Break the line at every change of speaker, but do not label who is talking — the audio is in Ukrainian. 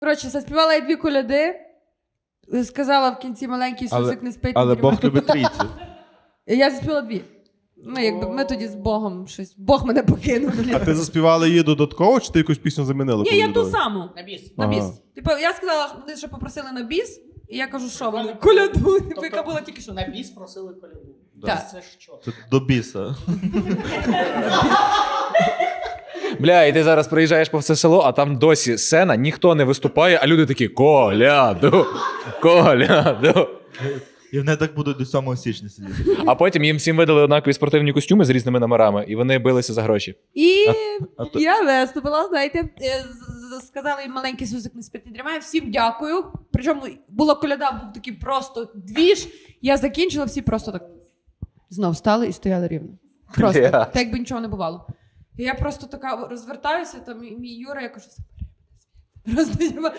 Коротше, заспівала я 2 коляди, сказала в кінці маленький Ісусик не спить.
Але Бог любить трійцю.
Я заспівала 2. Ну, якби ми тоді з Богом щось. Бог мене покинув.
А ти заспівала її додатково, чи ти якусь пісню замінила?
Ні, я ту саму.
На біс.
На біс. Типу, я сказала, що вони ще попросили на біс, і я кажу, що вони коляду, типу, яка була тільки що.
На біс просили коляду.
Так.
Це ж що?
Це до біса.
Бля, і ти зараз приїжджаєш по все село, а там досі сцена, ніхто не виступає, а люди такі коляду, коляду.
І вони так будуть до 7 січня сидіти.
А потім їм всім видали однакові спортивні костюми з різними номерами, і вони билися за гроші.
І
А то-
я виступила, знаєте, сказала їм маленький Ісусик не спить, не дрімає, всім дякую. Причому була коляда, був такий просто двіж. Я закінчила, всі просто так знов стали і стояли рівно. Просто,
Бля.
так якби нічого не бувало. І я просто така розвертаюся, там мій Юра, я кажу, просто